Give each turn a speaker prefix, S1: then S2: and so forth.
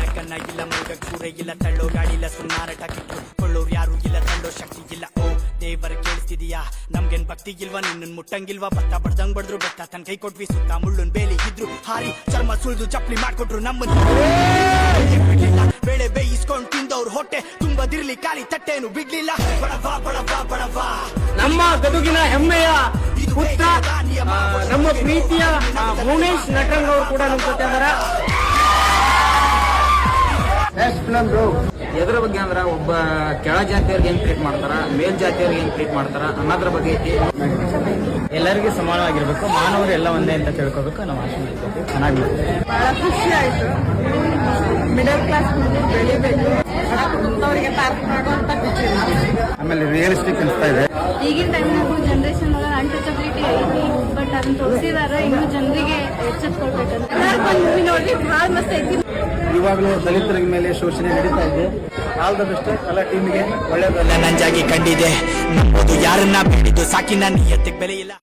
S1: ಕನ್ನ ಇಲ್ಲ ಮುಗ ಕೂರೆ ಇಲ್ಲ ತಳ್ಳೋ ಗಾಡಿಲ್ಲ ಸುನ್ನಾರಟ ಕಿತ್ತು ಕೊಳ್ಳೋರು ಯಾರು ಇಲ್ಲ ತಳ್ಳೋ ಶಕ್ತಿ ಇಲ್ಲ. ಓ ದೇವರ ಕೇಳಿಸ್ತಿದೀಯಾ ನಮ್ಗೇನ್ ಭಕ್ತಿ ಇಲ್ವಾ ನಿನ್ನ ಮುಟ್ಟಂಗಿಲ್ವಾ ಭತ್ತ ಬಡ್ದಂಗ್ ಬಡ್ದ್ರು ಬೆತ್ತ ತನ್ ಕೈ ಕೊಟ್ವಿ ಸುತ್ತ ಮುಳ್ಳುನ್ ಬೇಲಿ ಇದ್ರು ಹಾರಿ ಚರ್ಮ ಸುಳ್ದು ಚಪ್ಲಿ ಮಾಡ್ಕೊಟ್ರು ನಮ್ಮನ್ನ ಬೇಳೆ ಬೇಯಿಸ್ಕೊಂಡ್ ತಿಂದವ್ರು ಹೊಟ್ಟೆ ತುಂಬದಿರ್ಲಿ ಖಾಲಿ ತಟ್ಟೆನು ಬಿಡ್ಲಿಲ್ಲ. ಬಡವಾ ಬಡವಾ ಬಡವಾ
S2: ನಮ್ಮ ಗದುಗಿನ ಹೆಮ್ಮೆಯ ಪುತ್ರ ನಮ್ಮ ಪ್ರೀತಿಯ ಭುವನೇಶ್ ನಟರಂಗ್ ಅವರು ಕೂಡ ನಮ್ಮ ಜೊತೆ ಅದರ.
S3: ಎದ್ರ ಬಗ್ಗೆ ಅಂದ್ರ ಒಬ್ಬ ಕೆಳ ಜಾತಿಯವ್ರಿಗೆ ಏನ್ ಟ್ರೀಟ್ ಮಾಡ್ತಾರ, ಮೇಲ್ ಜಾತಿಯವ್ರಿಗೆ ಏನ್ ಟ್ರೀಟ್ ಮಾಡ್ತಾರ ಅನ್ನೋದ್ರ ಬಗ್ಗೆ ಐತಿ.
S2: ಎಲ್ಲರಿಗೂ ಸಮಾನವಾಗಿರ್ಬೇಕು, ಮಾನವರು ಎಲ್ಲ ಒಂದೇ ಅಂತ ತಿಳ್ಕೋಬೇಕು. ನಾವು ಆಶೆ ಮಾಡ್ತೀವಿ ಚೆನ್ನಾಗಿ.
S4: ಬಹಳ ಖುಷಿ ಆಯ್ತು. ಮಿಡಲ್ ಕ್ಲಾಸ್ ಬೆಳಿಬೇಕು, ಬಡ ಕುಟುಂಬದವರಿಗೆ ಪಾರ್ಕ್ ಮಾಡುವಂತ ಖುಷಿ.
S3: ಆಮೇಲೆ ರಿಯಲಿಸ್ಟಿಕ್ ಅನಿಸ್ತಾ ಇದೆ.
S4: ಈಗಿನ ಟೈಮ್ನಾಗು ಜನರೇಷನ್ ಒಳಗೆ ಅನ್ಟಚಬಿಲಿಟಿ ಐತಿ, ಬಟ್ ಅದನ್ನ ತೋರಿಸಿದಾರ. ಇನ್ನು ಜನರಿಗೆ ಎಚ್ಚೆತ್ಕೊಳ್ಬೇಕಂತ ಮೂವಿ ನೋಡಿ ಬಹಳ ಮಸ್ತ್ ಐತಿ.
S3: ಇವಾಗಲೂ ದಲಿತರ ಮೇಲೆ ಶೋಷಣೆ ನಡೀತಾ ಇದೆ. ಆಲ್ ದ ಬೆಸ್ಟ್ ಎಲ್ಲ ಟೀಮಿಗೆ ಒಳ್ಳೆಯದಲ್ಲ
S1: ನಂಜಾಗಿ ಕಂಡಿದೆ ನಂಬೋದು ಯಾರನ್ನ ಬೇಡಿದ್ದು ಸಾಕಿನ ನಿಯತ್ತಿಗೆ ಬೆಲೆ ಇಲ್ಲ.